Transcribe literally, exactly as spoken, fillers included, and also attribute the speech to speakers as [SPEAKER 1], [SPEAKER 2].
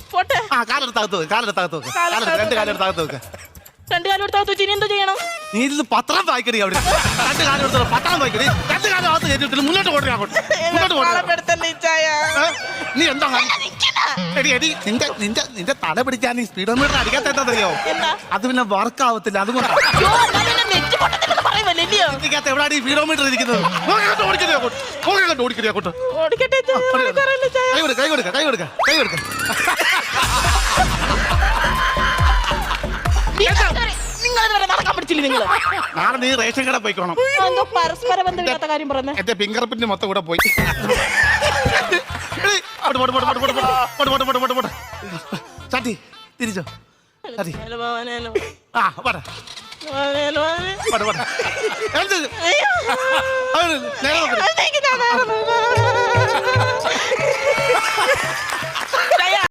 [SPEAKER 1] പോട്ടെ.
[SPEAKER 2] ആ കാലെടുത്തകത്ത് വെക്ക്, കാലെടുത്തകത്ത് വെക്ക്, കാലെടുത്ത് രണ്ട് കാലെടുത്തകത്ത് വെക്ക്.
[SPEAKER 1] രണ്ട് കാലം എടുത്താൽ ഇനി എന്തോ ചെയ്യണം?
[SPEAKER 2] നീ ഇത് പത്രം വായിക്കടി അവിടെ. രണ്ട് കാലം എടുത്തോ പത്രം വായിക്കടി. രണ്ട് കാലം അകത്ത് കയറ്റിട്ട് മുന്നോട്ട് പോട്ടെ, അങ്ങോട്ട് മുന്നോട്ട് പോട്ടെ. നീ എന്താ എടി എടി നിന്റെ നിന്റെ നിന്റെ തല പിടിക്കാൻ നീ സ്പീഡോമീറ്റർ അടിക്കാത്തറിയോ? അത് പിന്നെ വർക്ക് ആവത്തില്ല, അതുകൊണ്ട് എവിടെയാണ് ഈ സ്പീഡോമീറ്റർ ഇരിക്കുന്നത്? ഓടിക്കടി അങ്ങോട്ട്. കൈ കൊടുക്ക കൈ കൊടുക്ക കൈ കൊടുക്ക കൈ കൊടുക്ക. നാളെ നീ റേഷൻ കട പോയിക്കോണം.
[SPEAKER 1] പരസ്പര ബന്ധമില്ലാത്ത കാര്യം പറഞ്ഞു.
[SPEAKER 2] എന്റെ ഫിംഗർ പ്രിന്റ് മൊത്തം കൂടെ പോയി. ചാട്ടി തിരിച്ചോ ചാട്ടി. ആ പറ